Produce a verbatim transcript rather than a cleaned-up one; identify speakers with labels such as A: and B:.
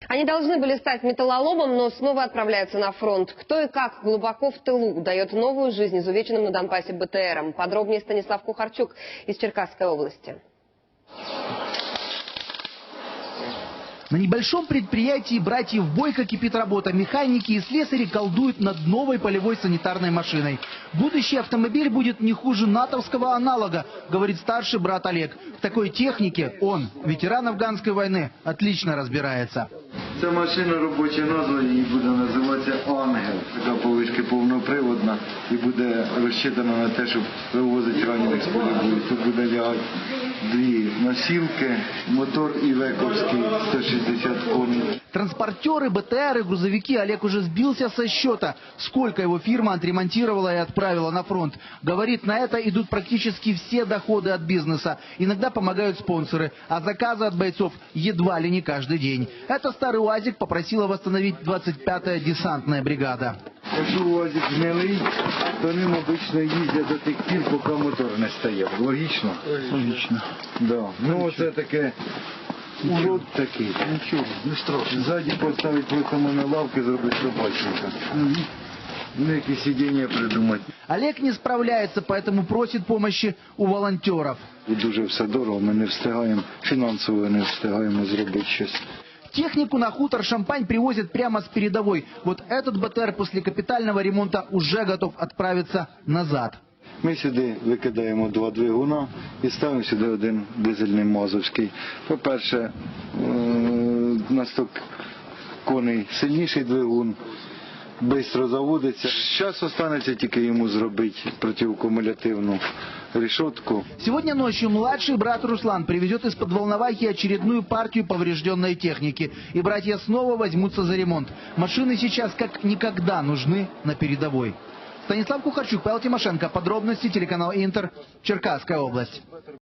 A: Они должны были стать металлоломом, но снова отправляются на фронт. Кто и как глубоко в тылу дает новую жизнь изувеченным на Донбассе БТРам. Подробнее Станислав Кухарчук из Черкасской области.
B: На небольшом предприятии братьев Бойко кипит работа. Механики и слесари колдуют над новой полевой санитарной машиной. Будущий автомобиль будет не хуже натовского аналога, говорит старший брат Олег. В такой технике он, ветеран афганской войны, отлично разбирается.
C: Ця машина, робоча назва її буде називатися «Ангел». Така повишки повноприводна і буде розчитана на те, щоб вивозити ранених з поля бою. Тут буде лягати дві носілки, мотор івековський сто шестьдесят коней.
B: Транспортеры, БТРы, грузовики. Олег уже сбился со счета, сколько его фирма отремонтировала и отправила на фронт. Говорит, на это идут практически все доходы от бизнеса. Иногда помогают спонсоры, а заказы от бойцов едва ли не каждый день. Это старый УАЗик попросила восстановить двадцать пятая десантная бригада.
C: Якщо УАЗик гнилий, то ним обично їздять до тих пір, поки мотор не стає. Логічно? Логічно. Да. Ну оце таке... Урод такий. Нічого, не страшно. Ззаді поставить просто на лавки, зробить собачника. Ну, які сидіння придумати.
B: Олег не справляется, поэтому просит помощи у волонтеров.
C: І дуже все дорого, ми не встигаємо, фінансово не встигаємо зробити щось.
B: Технику на хутор Шампань привозят прямо с передовой. Вот этот БТР после капитального ремонта уже готов отправиться назад.
C: Ми сюди викидаємо два двигуна і ставимо сюди один дизельний мазовський. По-перше, на сто коней сильніший двигун, швидко заводиться. Зараз залишиться тільки йому зробити протиаккумулятивну решетку.
B: Сегодня ночью младший брат Руслан привезет из-под Волновахи очередную партию поврежденной техники. И братья снова возьмутся за ремонт. Машины сейчас как никогда нужны на передовой. Станислав Кухарчук, Павел Тимошенко. Подробности телеканал Интер. Черкасская область.